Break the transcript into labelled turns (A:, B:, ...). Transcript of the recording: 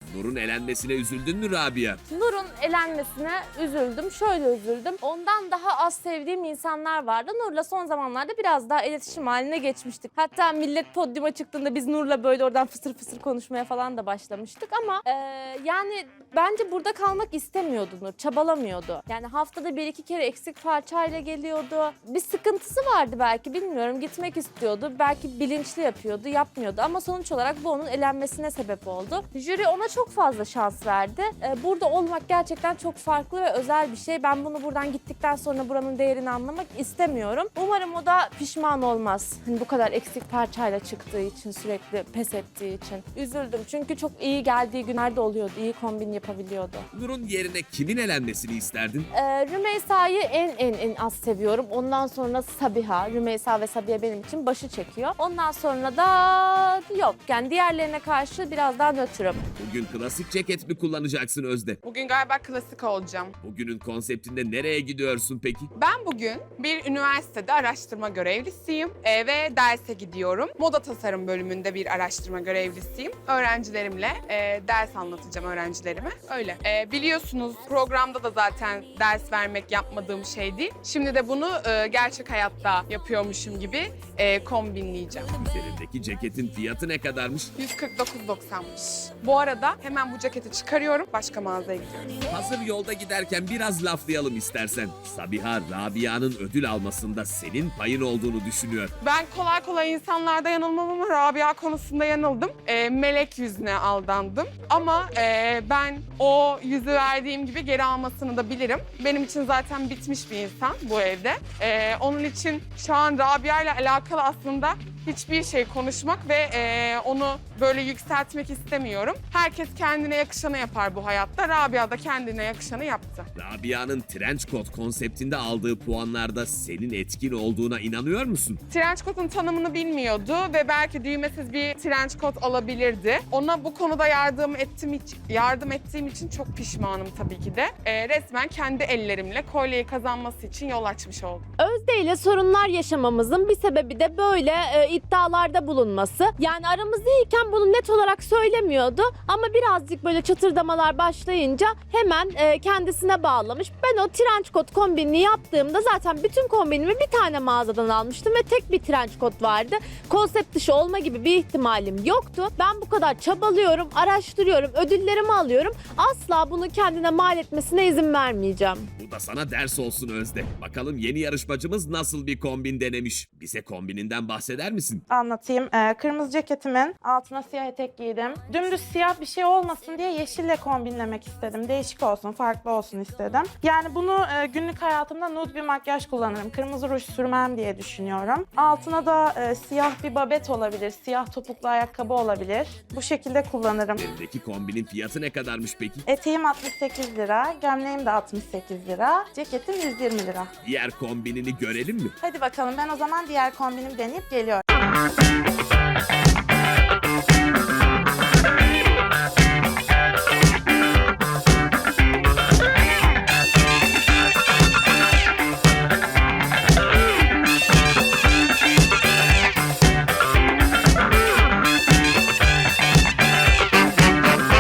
A: Nur'un elenmesine üzüldün mü Rabia?
B: Nur'un elenmesine üzüldüm. Şöyle üzüldüm. Ondan daha az sevdiğim insanlar vardı. Nur'la son zamanlarda biraz daha iletişim haline geçmiştik. Hatta millet podyuma çıktığında biz Nur'la böyle oradan fısır fısır konuşmaya falan da başlamıştık. Ama yani bence burada kalmak istemiyordu Nur. Çabalamıyordu. Yani haftada bir iki kere eksik parçayla geliyordu. Bir sıkıntısı vardı belki, bilmiyorum. Gitmek istiyordu. Belki bilinçli yapıyordu, yapmıyordu. Ama sonuç olarak bu onun elenmesine sebep oldu. Jüri ona çok fazla şans verdi. Burada olmak gerçekten çok farklı ve özel bir şey. Ben bunu buradan gittikten sonra buranın değerini anlamak istemiyorum. Umarım o da pişman olmaz. Hani bu kadar eksik parçayla çıktığı için, sürekli pes ettiği için. Üzüldüm çünkü çok iyi geldiği günlerde oluyordu. İyi kombin yapabiliyordu.
A: Nur'un yerine kimin elenmesini isterdin?
B: Rümeysa'yı en az seviyorum. Ondan sonra Sabiha. Rümeysa ve Sabiha benim için başı çekiyor. Ondan sonra da yok. Yani diğerlerine karşı biraz daha nötrüm.
A: Bugün klasik ceket mi kullanacaksın Özde?
C: Bugün galiba klasik olacağım.
A: Bugünün konseptinde nereye gidiyorsun peki?
C: Ben bugün bir üniversitede araştırma görevlisiyim ve derse gidiyorum. Moda tasarım bölümünde bir araştırma görevlisiyim. Öğrencilerimle ders anlatacağım öğrencilerime. Öyle. Biliyorsunuz programda da zaten ders vermek yapmadığım şey değil. Şimdi de bunu gerçek hayatta yapıyormuşum gibi kombinleyeceğim.
A: Üzerindeki ceketin fiyatı ne kadarmış?
C: 149.90'mış. Bu arada hemen bu ceketi çıkarıyorum. Başka mağazaya gidiyoruz.
A: Hazır yolda giderken biraz laflayalım istersen. Sabiha, Rabia'nın ödül almasında senin payın olduğunu düşünüyor.
C: Ben kolay kolay insanlarda yanılmam ama Rabia konusunda yanıldım. Melek yüzüne aldandım. Ama ben o yüzü verdiğim gibi geri almasını da bilirim. Benim için zaten bitmiş bir insan bu evde. Onun için şu an Rabia ile alakalı aslında hiçbir şey konuşmak ve onu böyle yükseltmek istemiyorum. Herkes kendine yakışanı yapar bu hayatta. Rabia da kendine yakışanı yaptı.
A: Rabia'nın trench coat konseptinde aldığı puanlarda senin etkin olduğuna inanıyor musun?
C: Trench coat'un tanımını bilmiyordu ve belki düğmesiz bir trench coat alabilirdi. Ona bu konuda yardım ettiğim için çok pişmanım tabii ki de. Resmen kendi ellerimle kolyeyi kazanması için yol açmış oldum.
B: Özde ile sorunlar yaşamamızın bir sebebi de böyle iddialarda bulunması. Yani aramız iyiyken bunu net olarak söylemiyordu ama birazcık böyle çatırdamalar başlayınca hemen kendisine bağlamış. Ben o trench coat kombinini yaptığımda zaten bütün kombinimi bir tane mağazadan almıştım ve tek bir trench coat vardı. Konsept dışı olma gibi bir ihtimalim yoktu. Ben bu kadar çabalıyorum, araştırıyorum, ödüllerimi alıyorum. Asla bunu kendine mal etmesine izin vermeyeceğim.
A: Bu da sana ders olsun Özde. Bakalım yeni yarışmacımız nasıl bir kombin denemiş? Bize kombininden bahseder misin?
D: Anlatayım. Kırmızı ceketimin altına siyah etek giydim. Dümdüz siyah bir şey olmasın diye yeşille kombinlemek istedim. Değişik olsun, farklı olsun istedim. Yani bunu günlük hayatımda nude bir makyaj kullanırım. Kırmızı ruj sürmem diye düşünüyorum. Altına da siyah bir babet olabilir, siyah topuklu ayakkabı olabilir. Bu şekilde kullanırım.
A: Elindeki kombinin fiyatı ne kadarmış peki?
D: Eteğim 68 lira, gömleğim de 68 lira, ceketim 120 lira.
A: Diğer kombinini görelim mi?
D: Hadi bakalım, ben o zaman diğer kombinimi deneyip geliyorum.